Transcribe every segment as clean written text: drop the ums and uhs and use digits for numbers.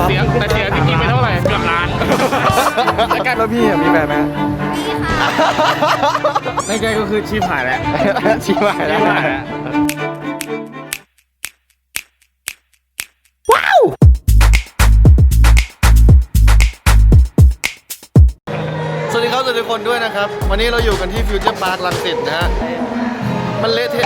เสียจริงๆไปเท่าไหร่เกือบล้านแล้วพี่มีแฟนไหมไม่ใช่ก็คือชีพหายแล้วชิบหายแล้วว้าวสวัสดีครับทุกคนด้วยนะครับวันนี้เราอยู่กันที่ฟิวเจอร์พาร์ครังสิตนะฮะมันเละเทะ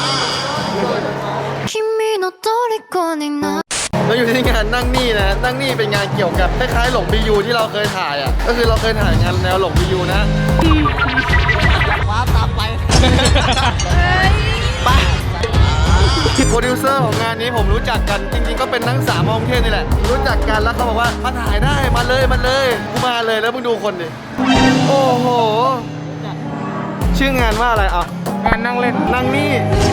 เราอยู่ที่งานนั่งนี่นะนั่งนี่เป็นงานเกี่ยวกับคล้ายๆหลงบียูที่เราเคยถ่ายอ่ะก็คือเราเคยถ่ายงานแนวหลงบียูนะว้าตามไปไปโปรดิวเซอร์ของงานนี้ผมรู้จักกันจริงๆก็เป็นนักศึกษามองเทศนี่แหละรู้จักกันแล้วเขาบอกว่ามาถ่ายได้มาเลยกูมาเลยแล้วมึงดูคนดิโอ้โหชื่องานว่าอะไรอ่ะงานนั่งเล่นนั่งนี่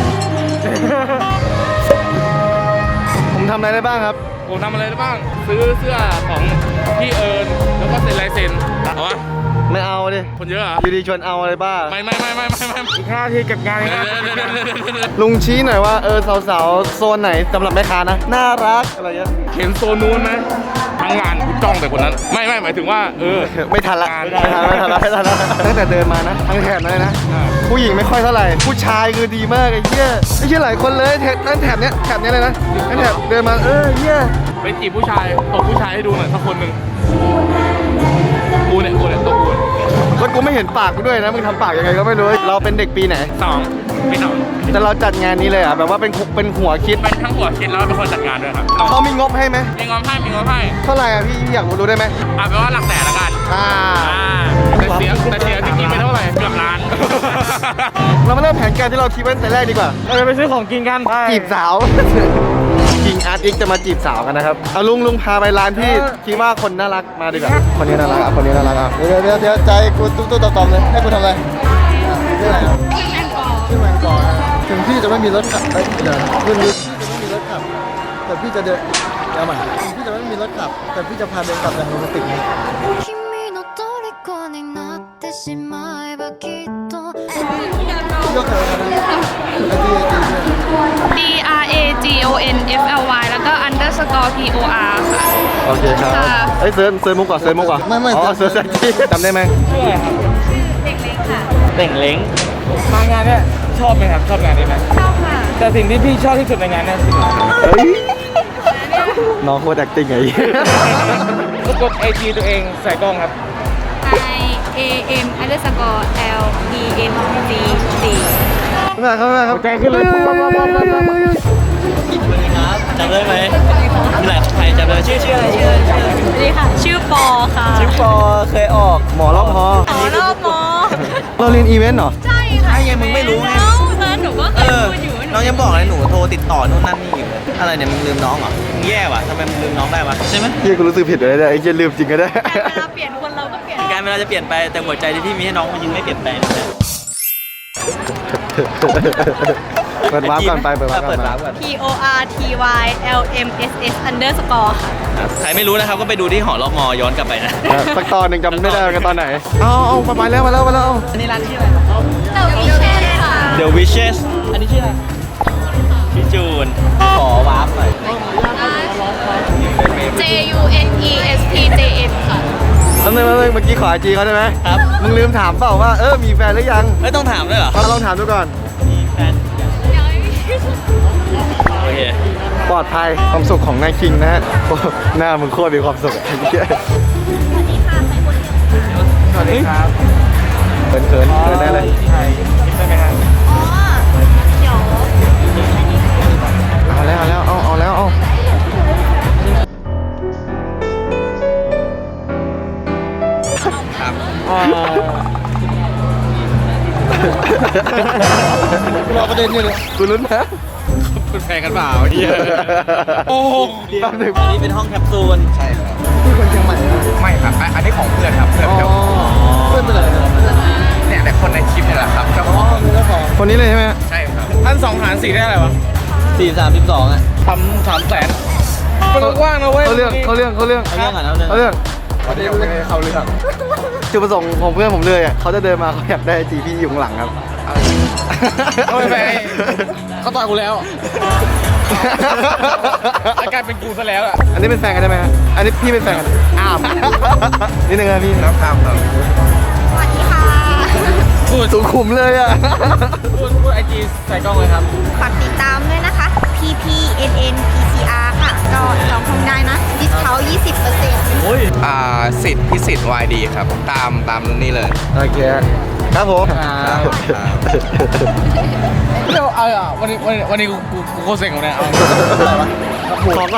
ผมทำอะไรได้บ้างครับผมทำอะไรได้บ้างซื้อเสื้อของพี่เอิญแล้วก็เซ็นลายเซ็นเอาวะไม่เอาดิคนเยอะอ่ะอยู่ดีชวนเอาอะไรบ้างไม่อีก5 นาทีเก็บงานเลยลุงชี้หน่อยว่าสาวๆโซนไหนสำหรับแม่ค้านะน่ารักอะไรเงี้ยเห็นโซนนู้นไหมทั้งงานจ้องแต่คนนั้นไม่หมายถึงว่าไม่ทันละตั้งแต่เดินมานะทั้งแถบเลยนะผู้หญิงไม่ค่อยเท่าไหร่ผู้ชายคือดีมากไอ้เหี้ยไม่ใช่หลายคนเลยนั่นแถบเนี้ยเลยนะนั่นแถบเดินมาเหี้ยไปจีบผู้ชายตบผู้ชายให้ดูหน่อยสักคนหนึ่งกูเนี่ยตบกูแล้วกูไม่เห็นปากกูด้วยนะมึงทำปากยังไงก็ไม่รู้เราเป็นเด็กปีไหน 2 ปี 2 แต่เราจัดงานนี้เลยอ่ะแบบว่าเป็นหัวคิดเป็นทั้งหัวคิดแล้วเป็นคนจัดงานด้วยครับเขามีงบให้ไหมมีงบให้เท่าไหร่อ่ะพี่อยากรู้ได้ไหมแปลว่าหลักแสนละกันแต่เสียจริงๆไปเท่าไหร่เกือบล้านเรามาเริ่มแผนการที่เราคิดไว้แต่แรกดีกว่าเราจะไปซื้อของกินกันจีบสาวจริงอาร์ตอีกจะมาจีบสาวกันนะครับเอาลุงพาไปร้านที่คิดว่าคนน่ารักมาดีกว่าคนนี้น่ารักอ่ะคนนี้น่ารักอ่ะเดี๋ยวใจกูตู้ต่อมเลยให้กูทำอะไรชื่ออะไรชื่อแมงกอถึงพี่จะไม่มีรถขับเดี๋ยวพี่จะไม่มีรถขับแต่พี่จะเดินเอาใหม่ถึงพี่จะไม่มีรถขับแต่พี่จะพาเดินกลับอย่างโรแมนติกนะยกเถิดนะ DRAGONFLY แล้วก็ underscore POR ค่ะโอเคครับเซิร์ชมุกก่อนไม่อ๋อเซิร์ชที่จำได้ไหมชื่ออะไรครับเด็กเล็กค่ะเด็กเล้งมางานเนี่ยชอบไหมครับชอบงานนี้ไหมชอบค่ะแต่สิ่งที่พี่ชอบที่สุดในงานเนี่ยน้องโคตร acting ไงก็กด IG ตัวเองใส่กล้องครับ IAM underscore LENGC เข้ามาครับใจขึ้นเลยครับจำได้ไหมมีหลายใครจำได้ชื่ออะไรสวัสดีค่ะชื่อปอค่ะชื่อปอเคยออกหมอรอบพอรอบมอเราเรียนอีเวนต์เหรอใช่ค่ะใช่ยังมึงไม่รู้ไงหนูก็เคยพูดอยู่น้องยังบอกเลยหนูโทรติดต่อนู่นนั่นนี่อยู่อะไรเนี่ยมึงลืมน้องเหรอมึงแย่ว่ะทำไมมึงลืมน้องได้วะใช่ไหมพี่กูรู้สึกผิดเลยเนี่ยไอ้เหี้ยลืมจริงก็ได้เวลาเปลี่ยนคนเราก็เปลี่ยนการเวลาจะเปลี่ยนไปแต่หัวใจที่พี่มีให้น้องมันยังไม่เปลี่ยนไปเปิดวาร์ปก่อนไปเปิดวาร์ปก่อน PORTYLMSS underscore ค่ะใครไม่รู้นะครับก็ไปดูที่หอรอบมอย้อนกลับไปนะสักตอนหนึ่งจำไม่ได้กันตอนไหนเอามาแล้วอันนี้ร้านชื่ออะไร The Wishes ค่ะ The Wishes อันนี้ชื่ออะไรพี่จูนขอวาร์ปหน่อย JUNESTJN ค่ะเมื่อกี้ขอไอจีเขาได้ไหมครับมึงลืมถามเปล่าว่ามีแฟนหรือยังไม่ต้องถามด้วยเหรอลองถามดูก่อนมีแฟนโอเคปลอดภัยความสุขของนายคิงนะฮะหน้ามึงโคตรมีความสุขไอ้เหี้ยสวัสดีครับเขินได้เลยใช่ได้ไหมครับเดี๋ยวเอาแล้วครับรอประเด็นนี่เลยกูลุ้นนะเป็นแฟนกันเปล่าเฮียโอ้โหอันนี้เป็นห้องแคปซูลใช่ครับพี่คนเชียงใหม่ไม่ครับอันนี้ของเพื่อนครับเพื่อนเป็นอะไรเนี่ยแต่คนในคลิปนี่แหละครับคนนี้เลยใช่ไหมใช่ครับท่าน2 หาร 4ได้อะไรวะ 432อ่ะทำ300,000มันกว้างนะเว้ยเขาเรื่องเขาเรื่องจุดประสงค์ของเพื่อนผมเลยอ่ะเขาจะเดินมาเขาอยากได้จีพี่อยู่ข้างหลังครับเอาไปเขาต่อยกูแล้วอาการเป็นกูซะแล้วอ่ะอันนี้เป็นแฟนกันใช่ไหมฮะอันนี้พี่เป็นแฟนกันอ้าวนิดนึงนะพี่ครับสวัสดีค่ะพูดสุขุมเลยอ่ะพูดไอจีใส่กล้องเลยครับฝากติดตามด้วยนะคะ PPNNPCR ค่ะ ก็จองห้องได้นะ ดิสเคาท์ 20% โอ้ยสิทธิ์พิสิทธิ์ YD ครับ ตามนี่เลยโอเคครับผมเดี๋ยวเอาอ่ะวันนี้กูโคตรเซ็งของเนี่ยเอาขอก่อน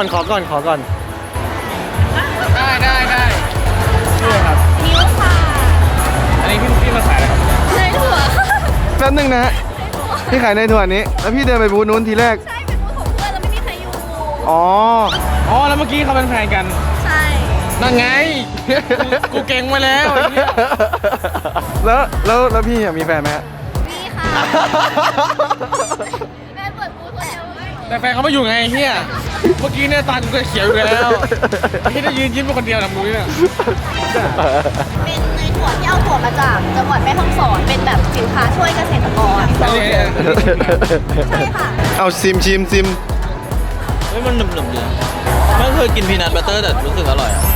ได้ช่วยครับนิ้วค่ะอันนี้พี่มาขายอะไรครับในถั่วแป๊บนึงนะฮะพี่ขายในถั่วนี้ แล้วพี่เดินไปบูธนู้นทีแรกใช่ เป็นบูธของเพื่อนแล้วไม่มีใครอยู่อ๋ออ๋อแล้วเมื่อกี้เขาเป็นแฟนกันใช่นั่นไง กูเก่งมาแล้วไอ้เหี้ยแล้วพี่มีแฟนไหมฮะนี่ค่ะ แม่เปิดบูธคนเดียวเลยแต่แฟนเขาไม่อยู่ไงไอ้เฮียเมื่อกี้เนี่ยตากูก็เขียวอยู่แล้วที่ได้ยืนยิ้มเป็นคนเดียวนะมึงเนี่ยเป็นในถั่วที่เอาถั่วมาจากจังหวัดแม่ฮ่องสอน เป็นแบบสินค้าช่วยเกษตรกรอันนี้ใช่ค่ะเอาซิมเฮ้ยมันหนึบๆดีไม่เคยกินพีนัทบัตเตอร์แต่รู้สึกอร่อยอ่ะ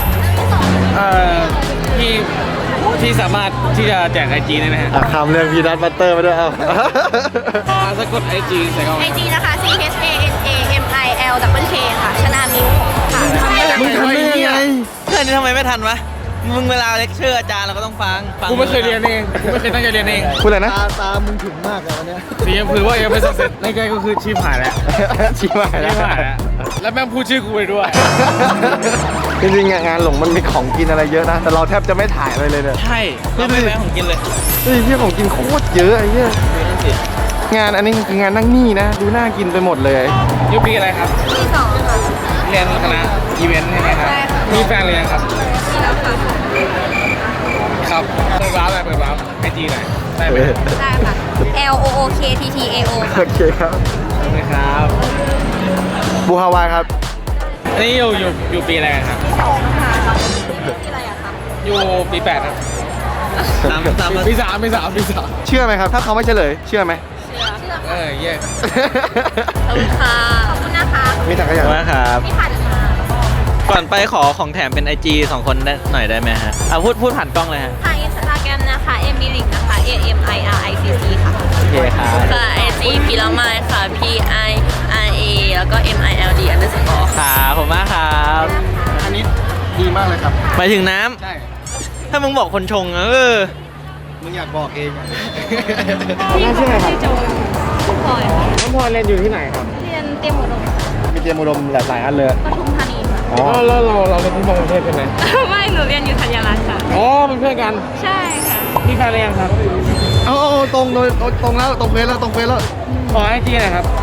ที่สามารถที่จะแจกไอจีได้ไหมฮะคำเรื่องพีนัทบัตเตอร์มาด้วยเอาสะกดไอจีใส่เข้าไอมาจีนะคะ CHANAMILค่ะ ชนามิวค่ะมึงทำได้ยังไงเพื่อนนี่ทำไมไม่ทันวะ มึงเวลาเลคเชอร์อาจารย์เราก็ต้องฟังกูไม่เคยเรียนเองกูไม่เคยตั้งใจเรียนเองพูดอะไรนะตามึงถึงมากเลยวันเนี้ยสียังคือว่ายังไม่สักเซ็ตในใจก็คือชีพหายแล้วชี้มาชีแล้วพหายแล้วแล้วแม่งพูดชื่อกูไปด้วยจริงๆงานหลงมันมีของกินอะไรเยอะนะ แต่เราแทบจะไม่ถ่ายอะไรเลยเนี่ยใช่เราไม่แวะของกินเลยเฮ้ยที่ของกินโคตรเยอะไอ้เหี้ยดูนั่นสิงานอันนี้คืองานนั่งนี่นะ ดูน่ากินไปหมดเลยยูปีอะไรครับที่สองค่ะเรียนคณะอีเวนต์ใช่ไหมครับใช่ค่ะมีแฟนหรือยังครับที่แล้วค่ะครับเปิดวาร์ปเลยเปิดวาร์ปไอจีหน่อยได้ไหมได้ค่ะ LOOKTTAO โอเคครับได้ไหมครับบูฮาวายครับอันนี้อยู่ปีอะไรกันครับที่สองค่ะที่อะไรอะคะอยู่ปี8ครับตามปีสามเชื่อไหมครับ ถ้าเขาไม่เฉลย เชื่อไหมเชื่อเออเย่ขอบคุณค่ะ ขอบคุณนะคะมีถังขยะว่าครับพี่ผัดค่ะก่อนไปขอของแถมเป็น IG 2 คนได้หน่อยได้ไหมฮะพูดผ่านกล้องเลยฮะทางอินสตาแกรมนะคะ MILIC นะคะ AMIRICC ค่ะโอเคครับค่ะ IG พิลาไมค่ะ PIRA แล้วก็ MILD underscore ครับผมมากครับอันนี้ดีมากเลยครับหมายถึงน้ำใช่ถ้ามึงบอกคนชงอะมึงอยากบอกเองอะพี่ชื่ออะไรครับพลอยค่ะน้องพลอยเรียนอยู่ที่ไหนครับเรียนเตรียมอุดมมีเตรียมอุดมหลายอันเลยปทุมธานีค่ะอ๋อแล้วเราเป็นที่มองประเทศใช่ไหมไม่ หนูเรียนอยู่ธัญรัตน์ค่ะอ๋อเป็นเพื่อนกันใช่ค่ะมีแฟนหรือยังครับเอาตรงแล้วตรงเฟซแล้วขอไอจีหน่อยครับ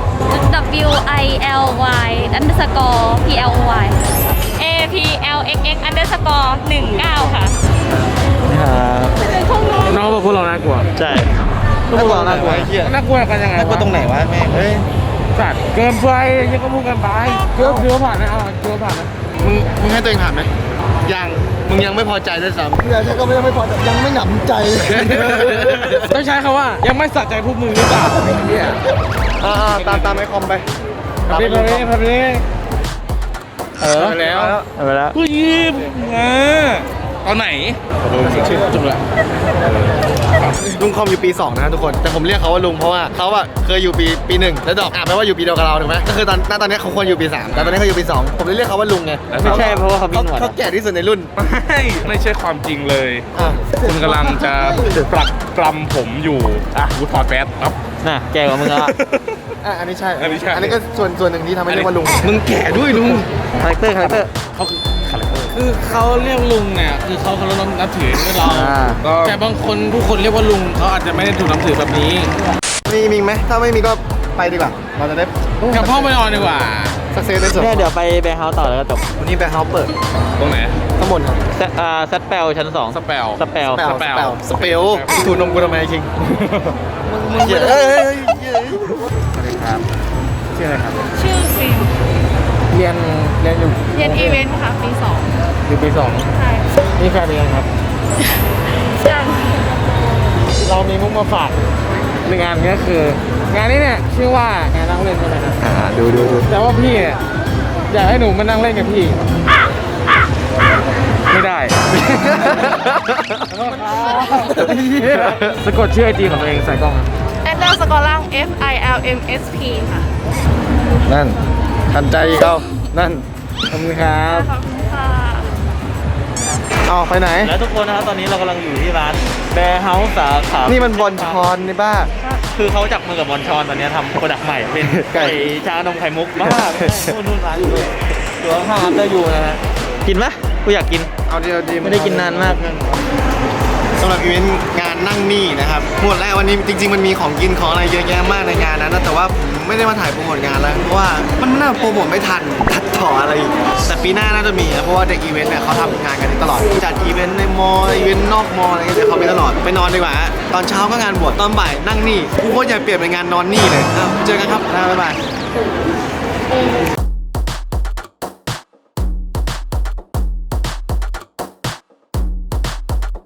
WILY underscore PLY APLXX underscore 19ค่ะน้องบอกพวกเราน่ากลัวใช่น่ากลัวน่ากลัวไอ้เหี้ยน่ากลัวกันยังไงน่ากลัวตรงไหนวะแม่งเฮ้ยสัตว์เกินไปยังก็พูดกันไปเกือบผ่านนะเอาเกือบผ่านนะมึงให้ตัวเองผ่านไหมยังมึงยังไม่พอใจด้วยซ้ำเพื่อนก็ไม่พอยังไม่หนำใจต้องใช้คำว่ายังไม่สะใจพวกมึงหรือเปล่าไอ้เหี้ยตามไอคอมไปพับนี้ไปแล้วเอาไปแล้วผู้ยิ้มตอนไหนชื่อจุกละลุงคอมอยู่ปี 2 นะทุกคน แต่ผมเรียกเขาว่าลุงเพราะว่าเขาอะเคยอยู่ปี 1 แล้วดอกแปลว่าอยู่ปีเดียวกับเราถูกไหมก็คือตอนนี้เขาควรอยู่ปี 3 แต่ตอนนี้เขาอยู่ปี 2 ผมเลยเรียกเขาว่าลุงไงไม่ใช่เพราะว่าเขามีหนวดเขาแก่ที่สุดในรุ่นไม่ใช่ความจริงเลยอ่ะคุณกำลังจะปรักปรำผมอยู่กูถอดแฟสครับน่ะแกกว่ามึงแล้วอะอันนี้ใช่อันนี้ใช่อันนี้ก็ส่วนหนึ่งที่ทำให้เรียกว่าลุง มึงแก่ด้วยลุงคาแรคเตอร์เขาคือคาแรคเตอร์คือเขาเรียกลุงเนี่ยคือเขาเคารพนับถือเรา แต่บางคนผู้คนเรียกว่าลุงเขาอาจจะไม่ได้ถูกนับถือแบบนี้มีไหมถ้าไม่มีก็ไปดีกว่า เราจะได้กลับห้องไปนอนดีกว่าสักเซสได้สุดเนี่ยเดี๋ยวไปแบงค์เฮาส์ต่อแล้วก็จบวันนี้แบงค์เฮาส์เปิดตรงไหนข้างบนครับซัดแปลชั้น 2 สเปลสเปลสเปลสเปลถูนมกูทำไมคิงมึงเฮ้ยสวัสดีครับชื่ออะไรครับชื่อฟิลเรียนอยู่เรียนอีเวนต์ค่ะ ปี2 อยู่ปีใช่ 2นี่แฟนเรียนครับยังเรามีมุกมาฝากยหนึ่งงานก็คืองานนี้เนี่ยชื่อว่างานนั่งเล่นใช่ไหมครับดูแต่ว่าพี่เนี่ยอยากให้หนูมานั่งเล่นกับพี่ ไม่ได้ สะกดชื่อไอจีของตัวเองใส่กล้องครับแอดเดอร์สกอร์ล่าง FILMSP ค่ะนั่นทันใจเขานั่นขอบคุณครับขอบคุณค่ะเอาไปไหนแล้วทุกคนนะครับตอนนี้เรากำลังอยู่ที่ร้านแบร์เฮาส์สาขานี่มันบอลชอนในบ้าคือเขาจับมือกับบอลชอนตอนนี้ทำโปรดักต์ใหม่ เป็นไก่ไก่ชานมไข่มุกมากนู่นร้านอยู่เลยตัวข้างๆก็อยู่นะฮะกินไหมกูอยากกินเอาดีไม่ได้กินนานมากสำหรับอีเวนต์งานนั่งนี่นะครับหมดแล้ววันนี้จริงๆมันมีของกินของอะไรเยอะแยะมากในงานนั้นนะแต่ว่าผมไม่ได้มาถ่ายโปรโมทงานแล้วเพราะว่ามันน่าโปรโมทไม่ทันตัดต่ออะไรอีกแต่ปีหน้าน่าจะมีนะเพราะว่าเด็กอีเวนต์เนี่ยเขาทำงานกันตลอดจัดอีเวนต์ในมอลล์อีเวนต์นอกมอลล์อะไรเงี้ยเดี๋ยวเขามีตลอดไปนอนดีกว่าฮะตอนเช้าก็งานบวชตอนบ่ายนั่งนี่กูโคตรอยากเปลี่ยนเป็นงานนอนนี่เลยเจอกันครับบ๊ายบาย